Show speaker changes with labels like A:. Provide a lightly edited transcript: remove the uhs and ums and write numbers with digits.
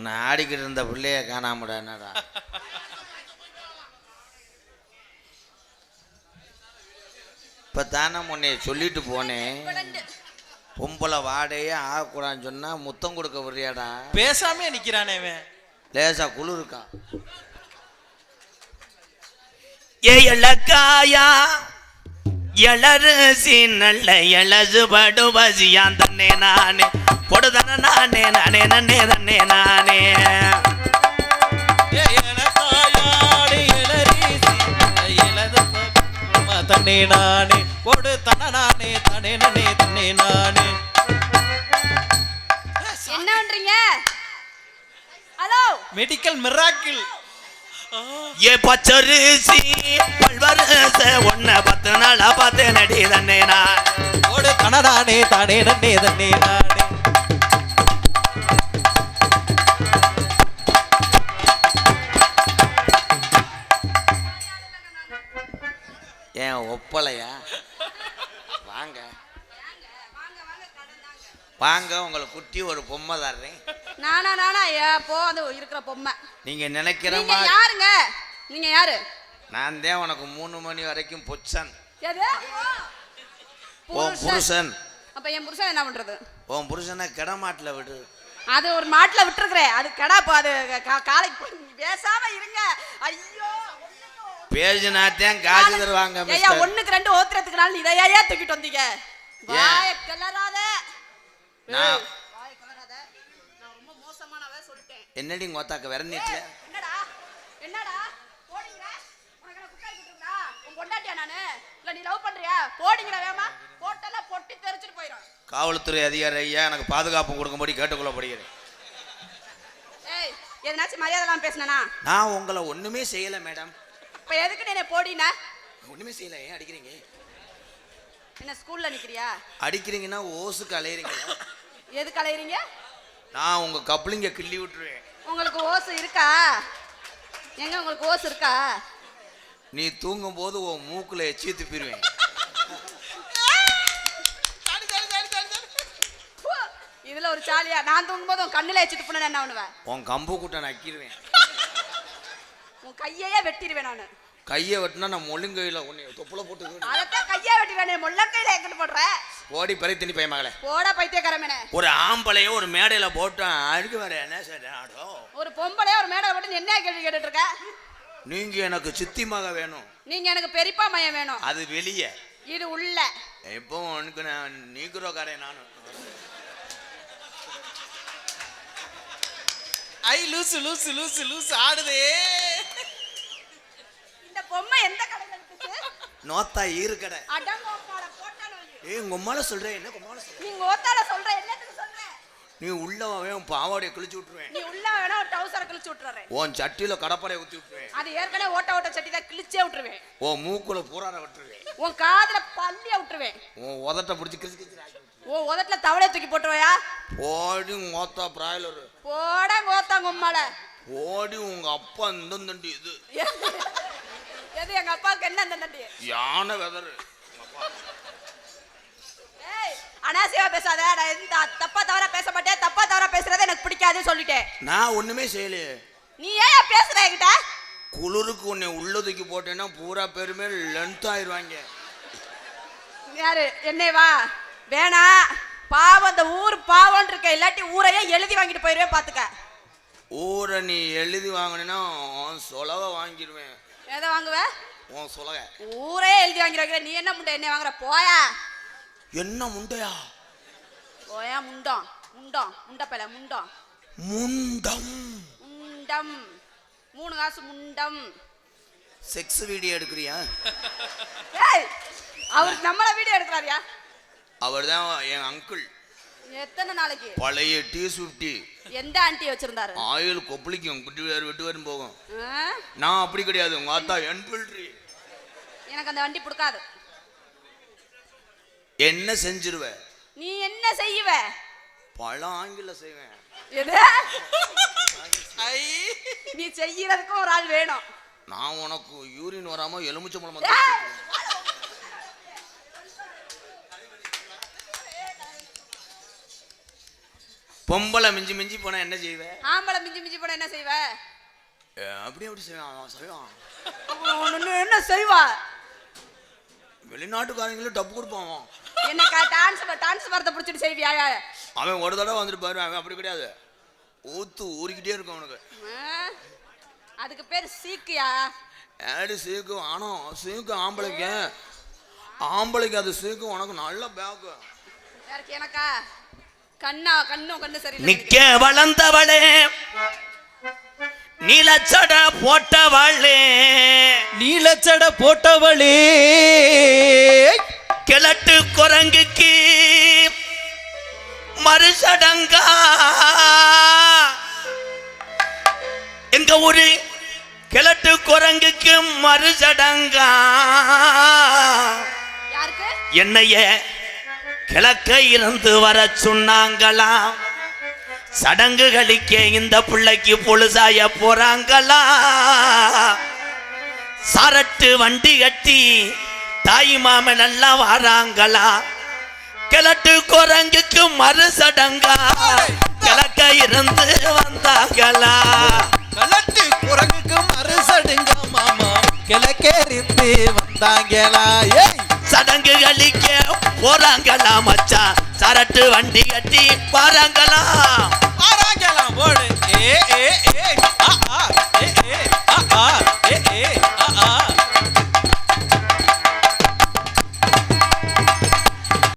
A: நான் ஆடிக்கிட்டு இருந்த பிள்ளைய காணாமடா. என்னடா இப்போ தானே முன்னைய சொல்லிட்டு போனேன், பொம்பளை வாடையே ஆகக்கூடாதுன்னு சொன்னா முத்தம் கொடுக்க வர்றியாடா?
B: பேசாமே நிக்கிறானே
A: லேசா குளிர் இருக்கா?
C: ஏழக்காயா எளருசி நல்ல எழசு படு பசியான் தன்னே நானே பொடுதன நானே நானே நன்னே தன்னே நானே
B: தன்னே நானே பொடு தன நானே தனே நன்னே தன்னே நானே.
D: என்ன பண்றீங்க? Hello,
B: medical miracle.
C: ஏ பச்சரிசி பல்வரச ஒன்ன 10 நாளா பார்த்து நடி தன்னே நான்
B: பொடு தன நானே தானே நன்னே தன்னே நானே.
A: ஏன் ஒப்பலையா? வாங்க வாங்க, உங்களை குட்டி ஒரு பொம்மை தர்றேன்.
D: நானா போ, அது இருக்கிற பொம்மை.
A: நீங்க நினைக்கிற
D: நீங்க
A: மாதிரி
D: யாருங்க? நீங்க யாரு?
A: நான் தான் உனக்கு 3 மணி வரைக்கும் பொச்சன்.
D: எது?
A: உன் புருஷன்.
D: அப்ப என் புருஷன் என்ன பண்றது?
A: உன் புருஷனை கிடமாட்டில் விடு.
D: அது ஒரு மாட்டுல விட்டுருக்கிறேன், அது கடா. அது காலைக்கு பேசாம இருங்க. ஐயோ,
A: பேஜினாத்தான் காசு தருவாங்க.
D: ஐயா, 1க்கு 2 ஓத்துறதுக்கு நாள் இதையா தூக்கிட்டு வந்தீங்க? வாய கிளறாத.
A: நான்
D: ரொம்ப மோசமானவே சொல்லிட்டேன்.
A: என்னடி கோத்தாக்க விரண்டிட்டு?
D: என்னடா போடிங்கற? உனக்கு குக்காய் குடுறா? உன் பொண்டாட்டியா நானு? இல்ல நீ லவ் பண்றியா? போடிங்கற வேமா, போட்டல பொட்டி தெரிச்சிட்டு போயிடும்.
A: காவல்துறை அதிகாரி ஐயா, எனக்கு பாதுகாப்பு கொடுக்கும்படி கேட்டுக்கொள்ளப்படுகிறேன்.
D: ஏய், எதனாச்சும் மரியாதைலாம் பேசுனனா?
A: நான் உங்களை ஒண்ணுமே செய்யல மேடம்.
D: இப்ப எதுக்கு நீ போடினா?
A: ஒண்ணுமே செய்யல. ஏன் அடிக்கிறீங்க?
D: என்ன ஸ்கூல்ல நிக்கிறியா?
A: அடிக்கிறீங்கன்னா ஓசுக்கு அலையறீங்க.
D: எதுக்கு அலையறீங்க?
A: நான் உங்க கப்ளிங்க கிள்ளி விட்டுருவேன்.
D: உங்களுக்கு ஓசு இருக்கா? எங்க உங்களுக்கு ஓசு இருக்கா?
A: நீ தூங்கும் போது உன் மூக்குல எச்சி துப்பிடுவேன்.
D: இதுல ஒரு சாலியா? நான் தூங்கும் போது உன் கண்ணுல எச்சி துப்புனா என்ன பண்ணுவேன்?
A: உன் கம்பு கூட்ட நக்கிடுவேன்.
D: உன் கையையே வெட்டிடுவேன் நானு.
A: கையை வெட்டினா நான் முள்ளுங்கையில உன்னை தொப்புல போட்டு
D: அதத்தான் கையை வெட்டிடுவேனே, முள்ளங்கையில எங்கிட்டு போடுற?
A: ஓடி பறி திணி பைய மகளே.
D: போடா பைத்தியக்காரமேனே.
A: ஒரு ஆம்பளைய ஒரு மேடையில போட்டு அழுக்கு வர என்ன சாடோ?
D: ஒரு பொம்பளைய ஒரு மேடையில போட்டு என்ன கேள்வி கேட்டுட்டு இருக்க?
A: நீங்க எனக்கு சித்தி மக வேணும்,
D: நீங்க எனக்கு பெரியப்பா மையம் வேணும்.
A: அது வெளியே,
D: இது உள்ள.
A: இப்போ உனக்கு நான் நீக்குறோக்காரன் நானும்.
B: ஐ லூசு லூசு லூசு லூசு ஆடுதே.
D: இந்த பொம்மை எந்த கடையில இருக்குது?
A: நோத்தா ஈரு கடை.
D: அடங்கோப்பால போட்டானோ?
A: ஏய், உங்க அம்மால சொல்றேன். என்ன உங்க அம்மால சொல்றேன்?
D: நீங்க ஓத்தால சொல்ற என்னத்துக்கு சொல்ற?
A: நீ உள்ளவே உன் பாவாடைய கிழிச்சு விட்டுருவேன்.
D: நீ உள்ள வேணா ஒரு டவுசரை கிழிச்சு விட்டுறேன்.
A: உன் சட்டியில கடப்பறையை ஊத்தி விட்டுருவேன்.
D: அது ஏற்கனவே ஓட்ட சட்டி தான், கிழிச்சே விட்டுருவேன்.
A: உன் மூக்குல பூரார விட்டுருவேன்.
D: உன் காதுல பல்லிய விட்டுருவேன்.
A: உன் உதட்ட பிடிச்சி கிழிச்சு கிழிச்சு.
D: உன் உதட்டுல தவளைய தூக்கி போட்டுருவையா?
A: ஓடி மோத்தா பிராய்லர்.
D: போடா கோத்தாங்க உம்மால.
A: ஓடி உங்க அப்பா இந்த தண்டி இது.
D: எது எங்க அப்பாவுக்கு என்ன அந்த தண்டி?
A: யானை வெதரு.
D: ஏய், அனாசியா பேசாத. நான் எந்த தப்பா தவறா பேச மாட்டேன். தப்பா தவறா பேசுறது எனக்கு பிடிக்காதுன்னு சொல்லிட்டேன்.
A: நான் ஒண்ணுமே செய்யலையே.
D: நீ ஏன் பேசுற என்கிட்ட?
A: குளிருக்கு உன்னை உள்ளதுக்கு போட்டேன்னா பூரா பேருமே லென்த் ஆயிடுவாங்க.
D: யாரு என்னேவா? வேணா, பாவம், அந்த ஊர் பாவம் இருக்க. இல்லாட்டி ஊரையே எழுதி வாங்கிட்டு போயிருவேன் பாத்துக்க.
A: ஊரை நீ எழுதி வாங்கினா சொலக வாங்கிடுவேன்.
D: எதை வாங்குவ?
A: உன் சொலக.
D: ஊரே எழுதி வாங்கிடுவாங்க. நீ என்ன முண்டை என்ன வாங்குற? போயா.
A: என்ன முண்டையா?
D: போயா முண்டம். முண்டம் முண்டப்பல முண்டம்
A: முண்டம்
D: முண்டம் 3 காசு முண்டம்.
A: செக்ஸ் வீடியோ எடுக்கிறியா?
D: ஏய், அவர் நம்மள வீடியோ எடுக்கறாரியா?
A: அவர் தான் என் அங்கிள்.
D: எத்தனை நாளைக்கு?
A: பழைய T50.
D: எந்த ஆண்டி வச்சிருந்தாரு?
A: ஆயில் கொப்பளிக்கும், விட்டு வரும் போகும். நான் அப்படி கிடையாது. உங்க ஆத்தா என்பில்ட்ரி.
D: எனக்கு அந்த வண்டி பிடிக்காது.
A: என்ன செஞ்சிருவ?
D: நீ என்ன செய்வ?
A: பல ஆங்கில செய்வேன்.
D: எது? நீ செய்யறதுக்கும் ஒரு ஆள் வேணும்.
A: நான் உனக்கு யூரின் வராம எலுமிச்சம்பழம் பொம்பளை மிஞ்சி மிஞ்சி போனா என்ன செய்வ?
D: ஆம்பளை மிஞ்சி மிஞ்சி போனா என்ன செய்வ?
A: அப்படி எப்படி செய்வான் செய்வான்
D: என்ன செய்வா?
A: வெளிநாட்டுக்காரங்களும் டப்பு கொடுப்பான்.
D: என்னக்கா டான்ஸ் வரத பிடிச்சிட்டு செய்வியா?
A: அவன் ஒரு தடவை வந்துட்டு பாரு, அவன் அப்படி கிடையாது, ஊறிக்கிட்டே இருக்கும் அவனுக்கு.
D: அதுக்கு பேர் சீக்கியா?
A: ஏடி சீக்கு? ஆனா சீக்கு ஆம்பளைக்கு அது சீக்கு உனக்கு நல்ல பேக்கு.
D: எனக்கா கண்ணு சரி.
C: நிக்க வளர்ந்தவளே நீலச்சட போட்டவளே கிழட்டு குரங்குக்கு மறுசடங்கா எங்க ஊரு கிழட்டு குரங்குக்கு மறுசடங்கா. என்னைய கிழக்க இருந்து வர சொன்னாங்களாம், சடங்குகளிக்க இந்த பிள்ளைக்கு பொழுசாய போறாங்களா. சரட்டு வண்டி கட்டி தாய் மாமன் எல்லாம் வராங்களா. கிழட்டு குரங்குக்கு மறு சடங்கா கிழக்க இருந்து வந்தாங்களா.
B: கிழட்டு குரங்குக்கு மறு சடங்கா மாமா கிழக்கேறிந்து வந்தாங்களா.
C: சடங்கு கழிக்க போறாங்களா மச்சான், சரட்டு வண்டி கட்டி வராங்களா.